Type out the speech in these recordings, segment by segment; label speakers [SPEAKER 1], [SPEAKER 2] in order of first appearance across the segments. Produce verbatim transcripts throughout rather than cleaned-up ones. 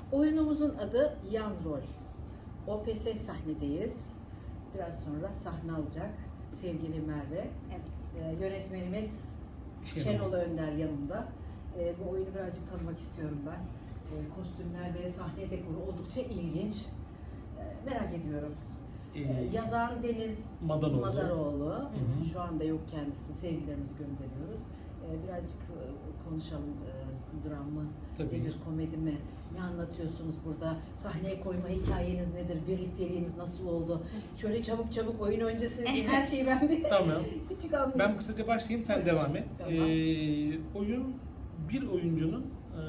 [SPEAKER 1] Oyunumuzun adı Yan Rol. O P S sahnedeyiz. Biraz sonra sahne alacak sevgili Merve.
[SPEAKER 2] Evet.
[SPEAKER 1] Ee, yönetmenimiz
[SPEAKER 3] Şenol.
[SPEAKER 1] Şenol Önder yanımda. Ee, bu oyunu birazcık tanımak istiyorum ben. Ee, kostümler ve sahne dekoru oldukça ilginç. Ee, merak ediyorum.
[SPEAKER 3] Ee,
[SPEAKER 1] Ee, yazan Deniz
[SPEAKER 3] Madanoğlu.
[SPEAKER 1] Madanoğlu.
[SPEAKER 3] hı.
[SPEAKER 1] Şu anda yok kendisi. Sevgilerimizi gönderiyoruz. Ee, birazcık e, konuşalım. E, dram mı?
[SPEAKER 3] Tabii.
[SPEAKER 1] Nedir? Komedi mi? Ne anlatıyorsunuz burada? Sahneye koyma hikayeniz nedir? Birlikteliğiniz nasıl oldu? Şöyle çabuk çabuk oyun öncesi her şeyi ben bir
[SPEAKER 3] Tamam.
[SPEAKER 1] küçük anlayayım.
[SPEAKER 3] Ben kısaca başlayayım, sen devam et.
[SPEAKER 1] Tamam.
[SPEAKER 3] Ee, oyun bir oyuncunun, e,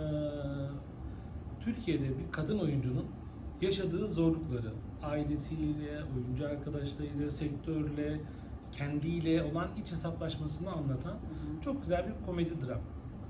[SPEAKER 3] Türkiye'de bir kadın oyuncunun yaşadığı zorlukları, ailesiyle, oyuncu arkadaşlarıyla, sektörle, kendiyle olan iç hesaplaşmasını anlatan çok güzel bir komedi dram.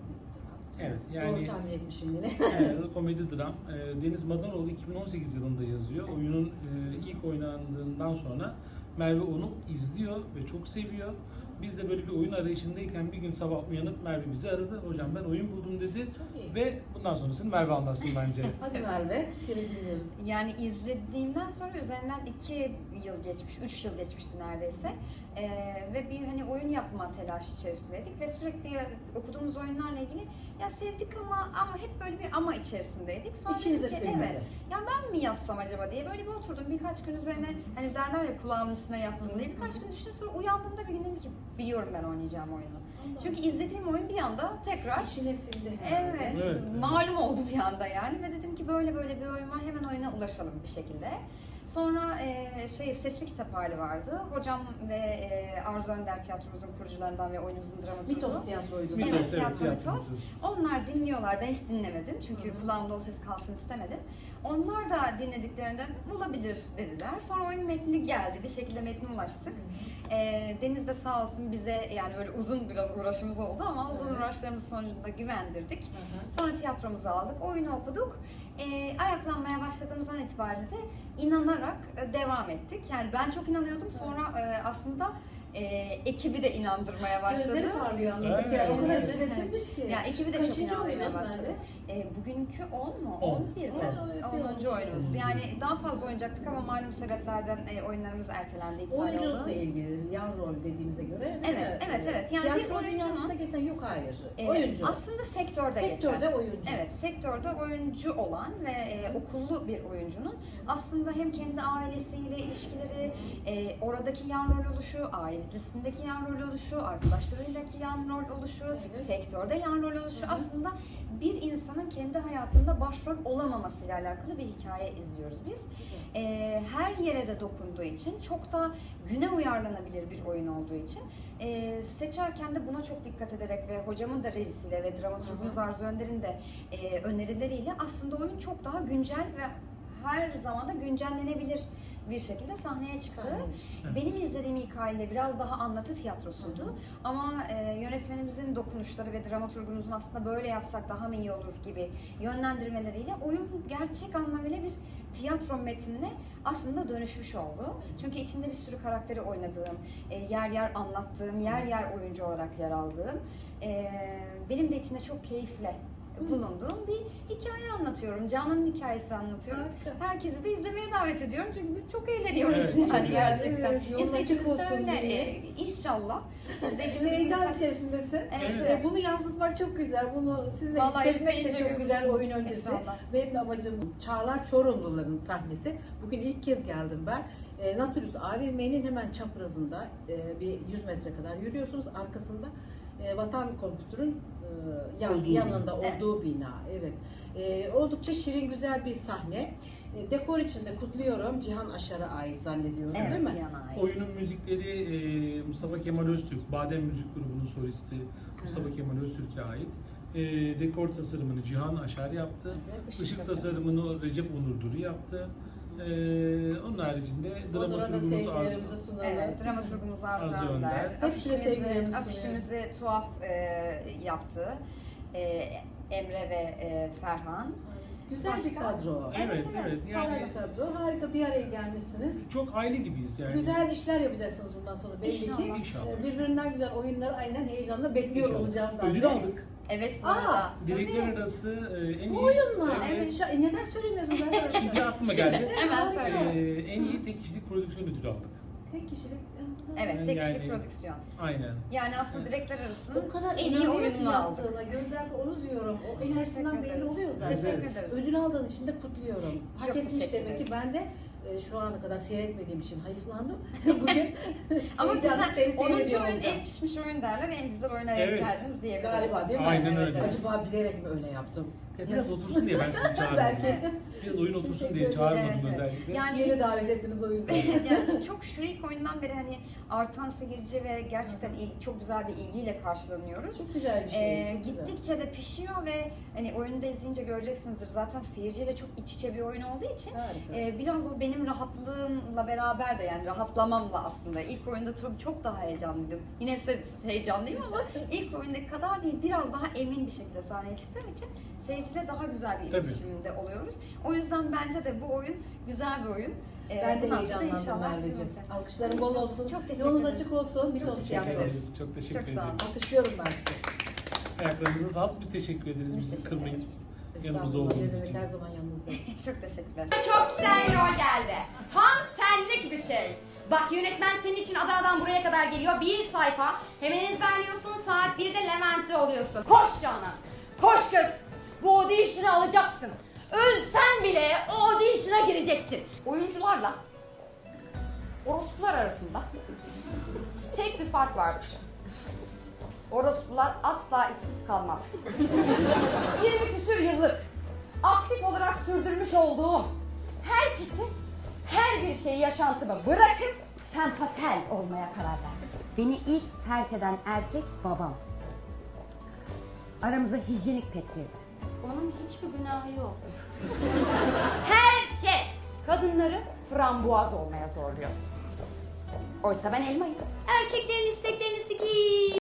[SPEAKER 3] Evet, yani
[SPEAKER 1] Doğru tahmin etmişim yine.
[SPEAKER 3] evet, komedi dram. Ee, Deniz Madanoğlu iki bin on sekiz yılında yazıyor. Oyunun e, ilk oynandığından sonra Merve onu izliyor ve çok seviyor. Biz de böyle bir oyun arayışındayken bir gün sabah uyanıp Merve bizi aradı. Hocam ben oyun buldum dedi.
[SPEAKER 1] Çok iyi.
[SPEAKER 3] Ve bundan sonrasını Merve anlatsın bence.
[SPEAKER 1] Hadi Merve, seni dinliyoruz.
[SPEAKER 2] Yani izlediğimden sonra üzerinden iki yıl geçmiş, üç yıl geçmişti neredeyse. Ee, ve bir hani oyun yapma telaşı içerisindeydik ve sürekli okuduğumuz oyunlarla ilgili ya sevdik ama ama hep böyle bir ama içerisindeydik. Sonra
[SPEAKER 1] İçinize
[SPEAKER 2] dedik ki,
[SPEAKER 1] sinmedi.
[SPEAKER 2] evet, ya ben mi yazsam acaba diye böyle bir oturdum birkaç gün üzerine hani derler ya kulağımın üstüne yattım diye birkaç gün düşündüm sonra uyandığımda bir gün dedim ki biliyorum ben oynayacağım oyunu. Çünkü izlediğim oyun bir anda tekrar
[SPEAKER 1] İçine sindi herhalde.
[SPEAKER 2] Evet,
[SPEAKER 3] Evet, evet.
[SPEAKER 2] malum oldu bir anda yani ve dedim ki böyle böyle bir oyun var hemen oyuna ulaşalım bir şekilde. Sonra e, şey sesli kitap hali vardı. Hocam ve e, Arzu Önder tiyatromuzun kurucularından ve oyunumuzun dramaturgu.
[SPEAKER 1] Mitos tiyatroydu.
[SPEAKER 3] Mitos,
[SPEAKER 2] Evet,
[SPEAKER 3] evet,
[SPEAKER 2] tiyatro
[SPEAKER 3] tiyatro
[SPEAKER 2] mitos.
[SPEAKER 3] mitos.
[SPEAKER 2] Onlar dinliyorlar. Ben hiç dinlemedim çünkü
[SPEAKER 1] Hı hı.
[SPEAKER 2] kulağımda o ses kalsın istemedim. Onlar da dinlediklerinde bulabilir dediler. Sonra oyun metni geldi. Bir şekilde metne ulaştık. E, Deniz de sağ olsun bize yani böyle uzun biraz uğraşımız oldu ama uzun
[SPEAKER 1] Evet.
[SPEAKER 2] uğraşlarımız sonucunda güvendirdik.
[SPEAKER 1] Hı hı.
[SPEAKER 2] Sonra tiyatromuzu aldık, oyunu okuduk. E, ayaklanmaya başladığımızdan itibaren de inanarak e, devam ettik. Yani ben çok inanıyordum. Sonra e, aslında e, ekibi de inandırmaya başladı.
[SPEAKER 1] Gözleri parlıyor anladık
[SPEAKER 3] Evet.
[SPEAKER 1] yani. O kadar
[SPEAKER 2] Evet.
[SPEAKER 1] içine sinmiş ki.
[SPEAKER 2] Ya ekibi de
[SPEAKER 1] Kaçıncı
[SPEAKER 2] çok inandırmaya
[SPEAKER 1] oyun
[SPEAKER 2] başladı.
[SPEAKER 1] Merve?
[SPEAKER 2] E, bugünkü on mu?
[SPEAKER 3] On.
[SPEAKER 2] on bir mi?
[SPEAKER 1] On, evet, bir
[SPEAKER 2] onuncu
[SPEAKER 1] olmuş.
[SPEAKER 2] oyunumuz. Yani daha fazla oynayacaktık ama malum sebeplerden e, oyunlarımız ertelendi, iptal oldu.
[SPEAKER 1] Oyunculukla ilgili yan rol dediğinize göre değil
[SPEAKER 2] Evet,
[SPEAKER 1] mi?
[SPEAKER 2] evet, evet. Yani bir
[SPEAKER 1] Tiyatro
[SPEAKER 2] oyuncunun-
[SPEAKER 1] dünyasında geçen yok hayır.
[SPEAKER 2] E,
[SPEAKER 1] oyuncu.
[SPEAKER 2] Aslında sektörde,
[SPEAKER 1] Sektörde
[SPEAKER 2] geçen.
[SPEAKER 1] oyuncu.
[SPEAKER 2] Evet, sektörde oyuncu olan ve e, okullu bir oyuncunun aslında hem kendi ailesiyle ilişkileri, e, oradaki yan rol oluşu, ailesindeki yan rol oluşu, arkadaşlarıyla yan rol oluşu,
[SPEAKER 1] Evet.
[SPEAKER 2] sektörde yan rol oluşu
[SPEAKER 1] Hı hı.
[SPEAKER 2] aslında bir insanın kendi hayatında başrol olamamasıyla alakalı bir hikaye izliyoruz biz. E, her yere de dokunduğu için, çok da güne uyarlanabilir bir oyun olduğu için e, seçerken de buna çok dikkat ederek ve hocamın da rejisiyle ve dramaturgumuz Arzu Önder'in de e, önerileriyle aslında oyun çok daha güncel ve her zaman da güncellenebilir bir şekilde sahneye çıktı.
[SPEAKER 1] Sahne.
[SPEAKER 2] Benim izlediğim hikaye biraz daha anlatı tiyatrosuydu.
[SPEAKER 1] Hı hı.
[SPEAKER 2] Ama e, yönetmenimizin dokunuşları ve dramaturgumuzun aslında böyle yapsak daha mı iyi olur gibi yönlendirmeleriyle oyun gerçek anlamıyla bir tiyatro metnine aslında dönüşmüş oldu. Çünkü içinde bir sürü karakteri oynadığım, e, yer yer anlattığım, yer yer oyuncu olarak yer aldığım, e, benim de içinde çok keyifle bulunduğum bir hikaye anlatıyorum. Can'ın hikayesi anlatıyorum.
[SPEAKER 1] Harika.
[SPEAKER 2] Herkesi de izlemeye davet ediyorum çünkü biz çok eğleniyoruz
[SPEAKER 3] Evet,
[SPEAKER 2] yani
[SPEAKER 3] güzel.
[SPEAKER 2] gerçekten.
[SPEAKER 1] Evet, yolun
[SPEAKER 2] İzleyicimiz
[SPEAKER 1] açık
[SPEAKER 2] de
[SPEAKER 1] olsun
[SPEAKER 2] öyle.
[SPEAKER 1] diye.
[SPEAKER 2] E, inşallah. İzleyicimiz
[SPEAKER 1] Heyecan
[SPEAKER 2] de-
[SPEAKER 1] içerisindesin.
[SPEAKER 2] Evet,
[SPEAKER 3] Evet.
[SPEAKER 1] E, bunu yansıtmak çok güzel. Bunu siz de
[SPEAKER 2] Vallahi
[SPEAKER 1] hissetmek de
[SPEAKER 2] izleyince
[SPEAKER 1] çok güzel oyun
[SPEAKER 2] görürsünüz
[SPEAKER 1] öncesi.
[SPEAKER 2] inşallah.
[SPEAKER 1] Benim de amacımız Çağlar Çorumluların sahnesi. Bugün ilk kez geldim ben. E, Nautilus A V M'nin hemen çaprazında e, bir yüz metre kadar yürüyorsunuz. Arkasında e, Vatan Kompütür'ün e, yan,
[SPEAKER 3] Olduğu
[SPEAKER 1] yanında
[SPEAKER 2] bina.
[SPEAKER 1] olduğu bina. Evet. E, oldukça şirin güzel bir sahne. E, dekor içinde kutluyorum. Cihan Aşar'a ait zannediyorum değil
[SPEAKER 2] Evet,
[SPEAKER 1] mi?
[SPEAKER 2] Cihan'a ait.
[SPEAKER 3] Oyunun müzikleri e, Mustafa Kemal Öztürk, Badem Müzik Grubu'nun solisti Mustafa Kemal Öztürk'e ait. E, dekor tasarımını Cihan Aşar yaptı.
[SPEAKER 1] Evet,
[SPEAKER 3] Işık,
[SPEAKER 2] ışık
[SPEAKER 3] tasarımını Recep Onur Duru yaptı. E, onun haricinde
[SPEAKER 1] Onlara da
[SPEAKER 3] dramaturgumuz
[SPEAKER 1] sevgilerimizi
[SPEAKER 3] Arzu.
[SPEAKER 1] sunalım.
[SPEAKER 2] Evet, dramaturgumuz Arzu
[SPEAKER 3] Arzu
[SPEAKER 2] Önder.
[SPEAKER 3] Önder.
[SPEAKER 1] Hepsine
[SPEAKER 2] Afişimizi,
[SPEAKER 1] sevgilerimizi
[SPEAKER 2] afişimizi tuhaf e, yaptı. E, Emre ve e, Ferhan.
[SPEAKER 1] Güzel bir
[SPEAKER 2] Başka?
[SPEAKER 1] kadro.
[SPEAKER 2] Evet,
[SPEAKER 3] Evet,
[SPEAKER 2] evet.
[SPEAKER 3] evet.
[SPEAKER 1] Güzel
[SPEAKER 3] Yani
[SPEAKER 1] bir kadro. Harika bir araya gelmişsiniz.
[SPEAKER 3] çok aile gibiyiz yani.
[SPEAKER 1] Güzel işler yapacaksınız bundan sonra belli ki.
[SPEAKER 2] İnşallah.
[SPEAKER 3] İnşallah.
[SPEAKER 1] Ee, Birbirinden güzel oyunları aynen heyecanla bekliyor
[SPEAKER 3] İnşallah.
[SPEAKER 1] olacağım ben
[SPEAKER 3] Ödül
[SPEAKER 1] de.
[SPEAKER 3] aldık.
[SPEAKER 2] Evet bu
[SPEAKER 1] Aa,
[SPEAKER 2] arada.
[SPEAKER 3] Direkler arası e, en
[SPEAKER 1] Bu
[SPEAKER 3] iyi...
[SPEAKER 1] oyunla.
[SPEAKER 3] Evet.
[SPEAKER 1] Şa- e, neden söylemiyorsunuz arkadaşlar?
[SPEAKER 3] Şimdi aklıma
[SPEAKER 2] Şimdi
[SPEAKER 3] geldi.
[SPEAKER 2] hemen söyle.
[SPEAKER 3] Ee, en iyi tek kişilik prodüksiyon ödülü aldık.
[SPEAKER 1] Tek kişilik.
[SPEAKER 2] Evet, tek
[SPEAKER 3] Yani-
[SPEAKER 2] kişilik prodüksiyon.
[SPEAKER 3] Aynen.
[SPEAKER 2] Yani aslında direkler arasının
[SPEAKER 1] O kadar
[SPEAKER 2] en iyi
[SPEAKER 1] inanıyor ki
[SPEAKER 2] oyununu aldık.
[SPEAKER 1] yaptığına. Gözlerde onu diyorum. O enerjisinden
[SPEAKER 2] Teşekkür
[SPEAKER 1] belli
[SPEAKER 2] ederiz.
[SPEAKER 1] oluyor zaten.
[SPEAKER 3] Evet.
[SPEAKER 2] Teşekkür ederiz.
[SPEAKER 1] Ödül aldığın için de kutluyorum. Hak
[SPEAKER 2] Çok
[SPEAKER 1] etmiş
[SPEAKER 2] teşekkür
[SPEAKER 1] demek ki.
[SPEAKER 2] ederiz.
[SPEAKER 1] Ben de e, şu ana kadar seyretmediğim için hayıflandım. Bugün
[SPEAKER 2] Ama
[SPEAKER 1] heyecanla
[SPEAKER 2] güzel,
[SPEAKER 1] seni
[SPEAKER 2] onuncu
[SPEAKER 1] seyrediyor
[SPEAKER 2] oyun
[SPEAKER 1] olacağım.
[SPEAKER 2] en pişmiş oyun derler, en güzel oyuna
[SPEAKER 3] Evet.
[SPEAKER 2] denk geldiniz diyebiliriz.
[SPEAKER 1] Galiba değil mi?
[SPEAKER 3] Aynen
[SPEAKER 2] Evet,
[SPEAKER 3] öyle.
[SPEAKER 2] evet.
[SPEAKER 1] Acaba bilerek mi öyle yaptım?
[SPEAKER 3] Ya biraz otursun diye ben sizi çağırmadım.
[SPEAKER 1] Belki.
[SPEAKER 3] Biraz oyun otursun
[SPEAKER 1] Teşekkür
[SPEAKER 3] diye
[SPEAKER 1] ederim.
[SPEAKER 3] çağırmadım
[SPEAKER 2] Evet, evet.
[SPEAKER 3] özellikle.
[SPEAKER 2] Yani
[SPEAKER 1] Yeni davet ettiniz o yüzden.
[SPEAKER 2] yani çok şu ilk oyundan beri hani artan seyirci ve gerçekten il- çok güzel bir ilgiyle karşılanıyoruz.
[SPEAKER 1] Çok güzel bir şey.
[SPEAKER 2] Ee,
[SPEAKER 1] çok güzel.
[SPEAKER 2] gittikçe de pişiyor ve hani oyunu da izleyince göreceksinizdir. Zaten seyirciyle çok iç içe bir oyun olduğu için
[SPEAKER 1] Harika.
[SPEAKER 2] e, biraz o benim rahatlığımla beraber de yani rahatlamamla aslında. İlk oyunda tabii çok daha heyecanlıydım. Yine size heyecanlıyım ama ilk oyundaki kadar değil. Biraz daha emin bir şekilde sahneye çıktığım için seyirciyle daha güzel bir
[SPEAKER 3] Tabii.
[SPEAKER 2] iletişimde oluyoruz. O yüzden bence de bu oyun güzel bir oyun. Ee,
[SPEAKER 1] Ben de
[SPEAKER 2] bundan sonra
[SPEAKER 1] heyecanlandım
[SPEAKER 2] inşallah güzel
[SPEAKER 1] Merveciğim.
[SPEAKER 2] olacak.
[SPEAKER 1] Alkışların bol olsun.
[SPEAKER 2] Çok teşekkür
[SPEAKER 1] Yolunuz
[SPEAKER 2] ederim.
[SPEAKER 1] açık olsun. Bir
[SPEAKER 2] Çok
[SPEAKER 1] tost
[SPEAKER 2] teşekkür
[SPEAKER 1] yapıyoruz.
[SPEAKER 2] ederiz.
[SPEAKER 3] Çok teşekkür
[SPEAKER 2] Çok sağ olun.
[SPEAKER 3] ederiz.
[SPEAKER 1] Alkışlıyorum ben sizi.
[SPEAKER 3] Ayaklarınıza sağlık. Biz teşekkür ederiz.
[SPEAKER 2] Biz
[SPEAKER 3] Bizi
[SPEAKER 2] teşekkür
[SPEAKER 3] kırmayın.
[SPEAKER 2] ederiz.
[SPEAKER 3] Yanımızda
[SPEAKER 1] Estağfurullah,
[SPEAKER 3] olduğunuz
[SPEAKER 1] ne demek,
[SPEAKER 3] için.
[SPEAKER 1] her zaman yanınızdayım.
[SPEAKER 2] Çok teşekkürler.
[SPEAKER 4] Çok güzel rol geldi. Tam senlik bir şey. Bak yönetmen senin için Adana'dan buraya kadar geliyor. Bir sayfa. Hemen ezberliyorsun. Saat birde Levent'te oluyorsun. Koş Canan. Koş kız. Bu audition'ı alacaksın. Ölsen bile o audition'a gireceksin. Oyuncularla orospular arasında tek bir fark vardır. Orospular asla işsiz kalmaz. yirmi küsür yıllık aktif olarak sürdürmüş olduğum herkesi, her bir şeyi yaşantımı bırakıp sempatel olmaya karar verdim. Beni ilk terk eden erkek babam. Aramıza hijyenik pet girdi. Onun hiçbir günahı yok. Herkes kadınları frambuaz olmaya zorluyor. Oysa ben elmayım. Erkeklerin isteklerini sikiyim.